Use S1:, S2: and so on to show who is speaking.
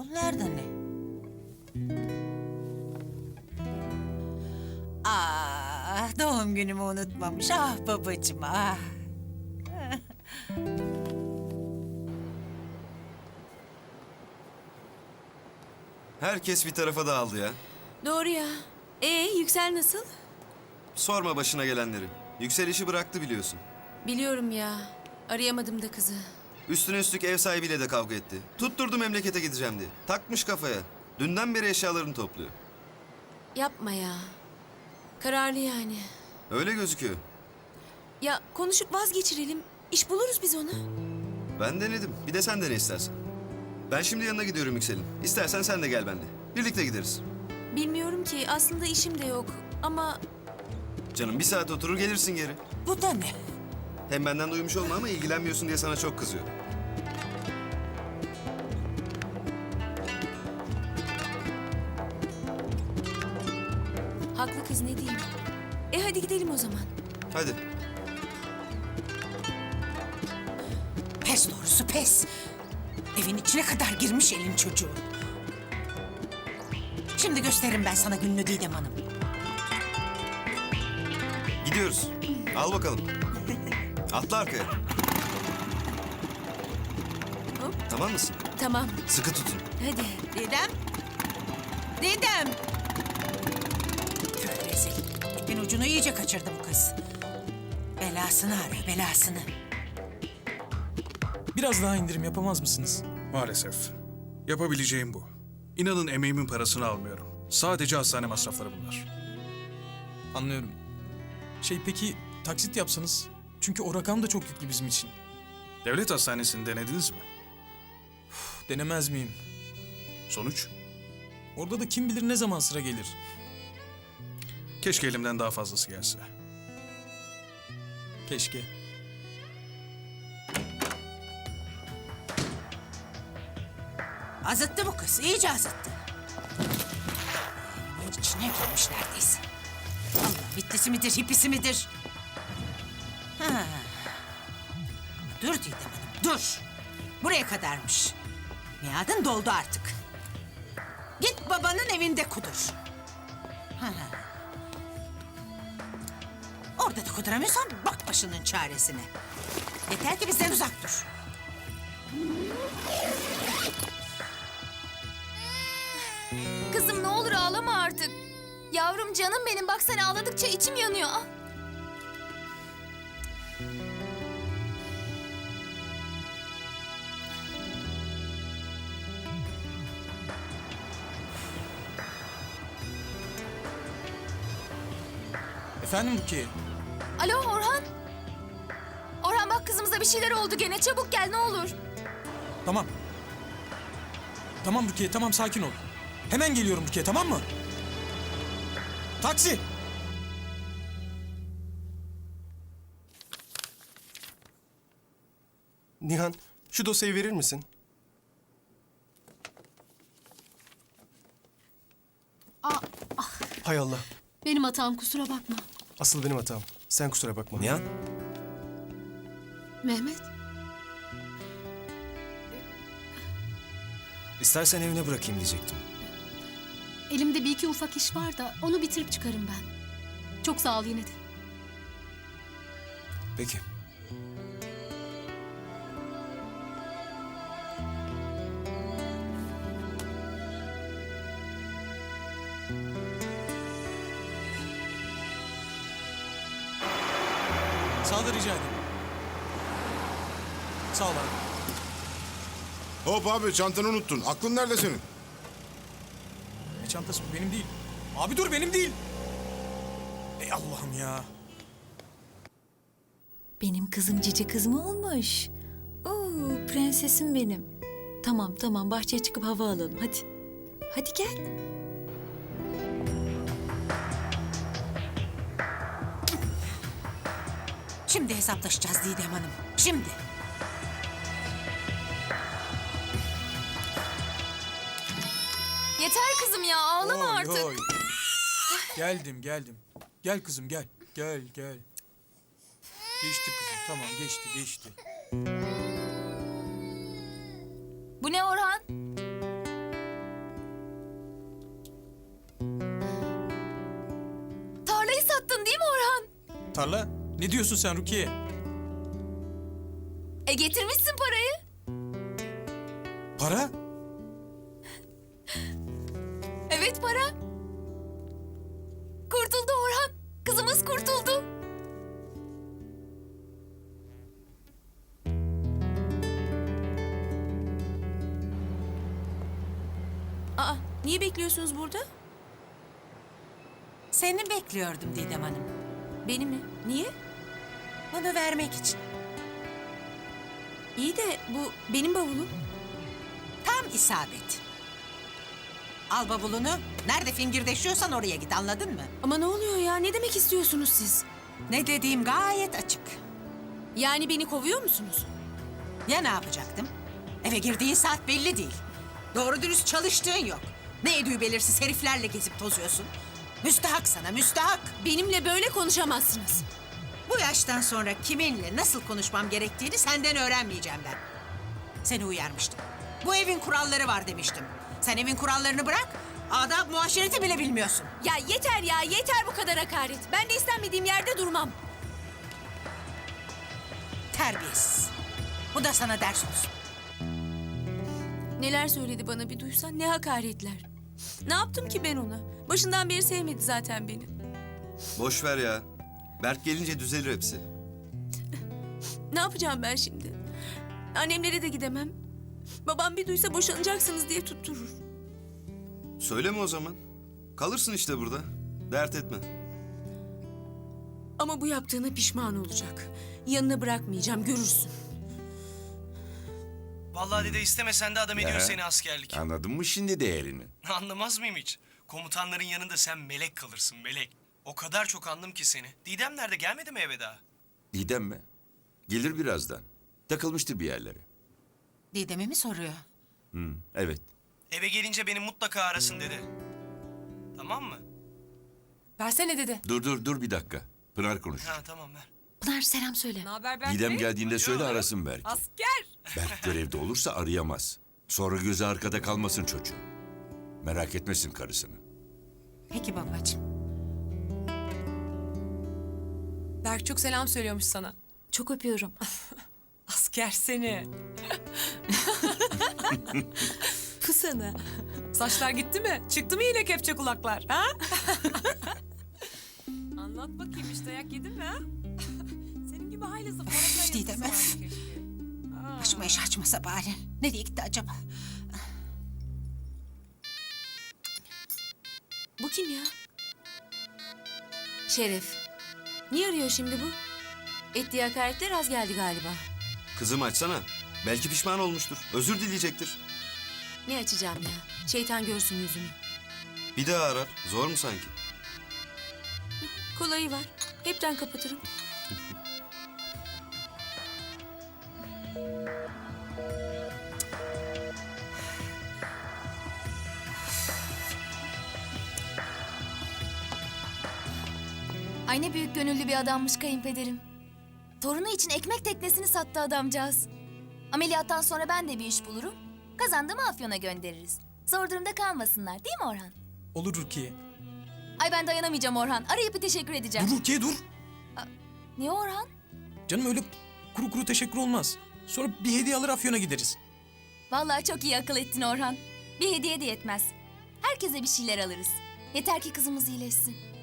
S1: Bunlar da ne? Doğum günümü unutmamış. Ah babacığım ah.
S2: Herkes bir tarafa dağıldı ya.
S3: Doğru ya. Yüksel nasıl?
S2: Sorma başına gelenleri. Yüksel işi bıraktı biliyorsun.
S3: Biliyorum ya. Arayamadım da kızı.
S2: Üstüne üstlük ev sahibiyle de kavga etti. Tutturdu memlekete gideceğim diye. Takmış kafaya. Dünden beri eşyalarını topluyor.
S3: Yapma ya. Kararlı yani.
S2: Öyle gözüküyor.
S3: Ya konuşup vazgeçirelim. İş buluruz biz ona.
S2: Ben denedim. Bir de sen dene istersen. Ben şimdi yanına gidiyorum Yüksel'in. İstersen sen de gel benimle. Birlikte gideriz.
S3: Bilmiyorum ki. Aslında işim de yok. Ama
S2: Canım bir saat oturur gelirsin geri.
S1: Bu da ne?
S2: Hem benden duymuş olma ama ilgilenmiyorsun diye sana çok kızıyor.
S3: haklı kız ne diyeyim. Hadi gidelim o zaman.
S2: Hadi.
S1: Pes doğrusu pes. Evin içine kadar girmiş elin çocuğu. Şimdi gösteririm ben sana gününü Didem Hanım.
S2: Gidiyoruz. Al bakalım. Atla arkaya.
S3: Hop.
S2: Tamam mısın?
S3: Tamam.
S2: Sıkı tutun.
S3: Hadi.
S1: Didem. Didem. Tüh rezil. İpin ucunu iyice kaçırdı bu kız. Belasını ara belasını.
S4: Biraz daha indirim yapamaz mısınız?
S5: Maalesef. Yapabileceğim bu. İnanın emeğimin parasını almıyorum. Sadece hastane masrafları bunlar.
S4: Anlıyorum. Peki taksit yapsanız? Çünkü o rakam da çok yüklü bizim için.
S5: Devlet hastanesini denediniz mi?
S4: Denemez miyim?
S5: Sonuç?
S4: Orada da kim bilir ne zaman sıra gelir.
S5: Keşke elimden daha fazlası gelse.
S4: Keşke.
S1: Azıttı bu kız, iyice azıttı. Evin içine girmiş neredeyse. Allah bitlisi midir, hipisi midir? Ha. Dur Didem Hanım, dur. Buraya kadarmış. Miadın doldu artık. Git babanın evinde kudur. Ha. Orada da kuduramıyorsan bak başının çaresine. Yeter ki bizden uzak dur.
S6: Kızım ne olur ağlama artık. Yavrum canım benim bak sen ağladıkça içim yanıyor. Ah.
S4: Efendim Rukiye?
S6: Alo Orhan. Orhan bak kızımıza bir şeyler oldu gene çabuk gel ne olur.
S4: Tamam. Tamam Rukiye, tamam sakin ol. Hemen geliyorum Rukiye, tamam mı? Taksi!
S7: Nihan, şu dosyayı verir misin? Hay Allah.
S8: Benim hatam kusura bakma.
S7: Asıl benim hatam. Sen kusura bakma.
S2: Nihan?
S8: Mehmet,
S2: İstersen evine bırakayım diyecektim.
S8: elimde bir iki ufak iş var da onu bitirip çıkarım ben. Çok sağ ol yine de.
S2: Peki.
S4: Sağ ol, rica ederim. Sağ ol abi.
S9: Hop abi çantanı unuttun. Aklın nerede senin?
S4: Ne çantası bu? Benim değil. Abi dur, benim değil. Ey Allah'ım ya.
S10: Benim kızım cici kız mı olmuş? Oo, prensesim benim. Tamam tamam bahçeye çıkıp hava alalım hadi. Hadi gel.
S1: Şimdi hesaplaşacağız Didem Hanım. Şimdi.
S6: Yeter kızım ya ağlama
S4: Oy,
S6: artık.
S4: oy. Geldim. Gel kızım gel. Gel. Geçti kızım, tamam geçti.
S6: Bu ne Orhan?
S4: Tarla. Ne diyorsun sen Rukiye?
S6: Getirmişsin parayı.
S4: Para?
S6: Evet para. Kurtuldu Orhan. Kızımız kurtuldu.
S3: Aa, niye bekliyorsunuz burada?
S1: Seni bekliyordum Didem Hanım.
S3: Beni mi? Niye?
S1: Bunu vermek için.
S3: İyi de bu benim bavulum.
S1: Tam isabet. Al bavulunu. Nerede fingirdeşiyorsan oraya git, anladın mı?
S3: Ama ne oluyor ya? Ne demek istiyorsunuz siz?
S1: Ne dediğim gayet açık.
S3: Yani beni kovuyor musunuz?
S1: Ya ne yapacaktım? Eve girdiğin saat belli değil. Doğru dürüst çalıştığın yok. Ne edüğü belirsiz heriflerle gezip tozuyorsun. Müstahak sana, müstahak.
S3: Benimle böyle konuşamazsınız.
S1: Bu yaştan sonra kiminle nasıl konuşmam gerektiğini senden öğrenmeyeceğim ben. Seni uyarmıştım. Bu evin kuralları var demiştim. Sen evin kurallarını bırak, adab muaşereti bile bilmiyorsun.
S3: Ya yeter ya, yeter bu kadar hakaret. Ben de istenmediğim yerde durmam.
S1: Terbiyesiz. Bu da sana ders olsun.
S3: Neler söyledi bana bir duysan, ne hakaretler. Ne yaptım ki ben ona? Başından beri sevmedi zaten beni.
S2: Boş ver ya. Berk gelince düzelir hepsi.
S3: Ne yapacağım ben şimdi? Annemlere de gidemem. Babam bir duysa boşanacaksınız diye tutturur.
S2: Söyleme o zaman. Kalırsın işte burada. Dert etme.
S3: Ama bu yaptığına pişman olacak. Yanına bırakmayacağım, görürsün.
S11: Vallahi dede istemesen de adam ediyor seni askerlik.
S9: Anladın mı şimdi değerini?
S11: Anlamaz mıyım hiç? Komutanların yanında sen melek kalırsın melek. O kadar çok andım ki seni. Didem nerede, gelmedi mi eve daha?
S9: Didem mi? Gelir birazdan. Takılmıştır bir yerlere.
S1: Didem'i mi soruyor?
S9: Evet.
S11: Eve gelince beni mutlaka arasın dede. Tamam mı?
S3: Versene dede.
S9: Dur bir dakika. Pınar konuş.
S11: Ha tamam ver.
S10: Pınar selam söyle.
S9: Didem geldiğinde söyle arasın Berk.
S3: Asker.
S9: Berk görevde olursa arayamaz. Sonra gözü arkada kalmasın çocuğun. Merak etmesin karısını.
S1: Peki babacığım.
S3: Berk çok selam söylüyormuş sana.
S10: Çok öpüyorum.
S3: Asker seni. Bu sana. Saçlar gitti mi? Çıktı mı yine kepçe kulaklar? Ha? Anlat bakayım, hiç dayak yedin mi ha? Senin gibi haylazı
S1: Üf, Didem öf. Başıma iş açmasa bari. Nereye gitti acaba?
S3: Bu kim ya? Şeref. Niye arıyor şimdi bu? Ettiği hakaretler az geldi galiba.
S2: Kızım açsana. Belki pişman olmuştur. Özür dileyecektir.
S3: Ne açacağım ya? Şeytan görsün yüzümü.
S2: Bir daha arar. Zor mu sanki?
S3: Kolayı var. Hepten kapatırım.
S6: Ay ne büyük gönüllü bir adammış kayınpederim. Torunu için ekmek teknesini sattı adamcağız. Ameliyattan sonra ben de bir iş bulurum. Kazandığımı Afyon'a göndeririz. Zor durumda kalmasınlar, değil mi Orhan?
S4: Olur Rukiye.
S6: Ay ben dayanamayacağım Orhan. Arayıp bir teşekkür edeceğim.
S4: Dur Rukiye dur.
S6: Niye Orhan?
S4: Canım öyle kuru kuru teşekkür olmaz. Sonra bir hediye alır Afyon'a gideriz.
S6: Vallahi çok iyi akıl ettin Orhan. Bir hediye de yetmez. Herkese bir şeyler alırız. Yeter ki kızımız iyileşsin.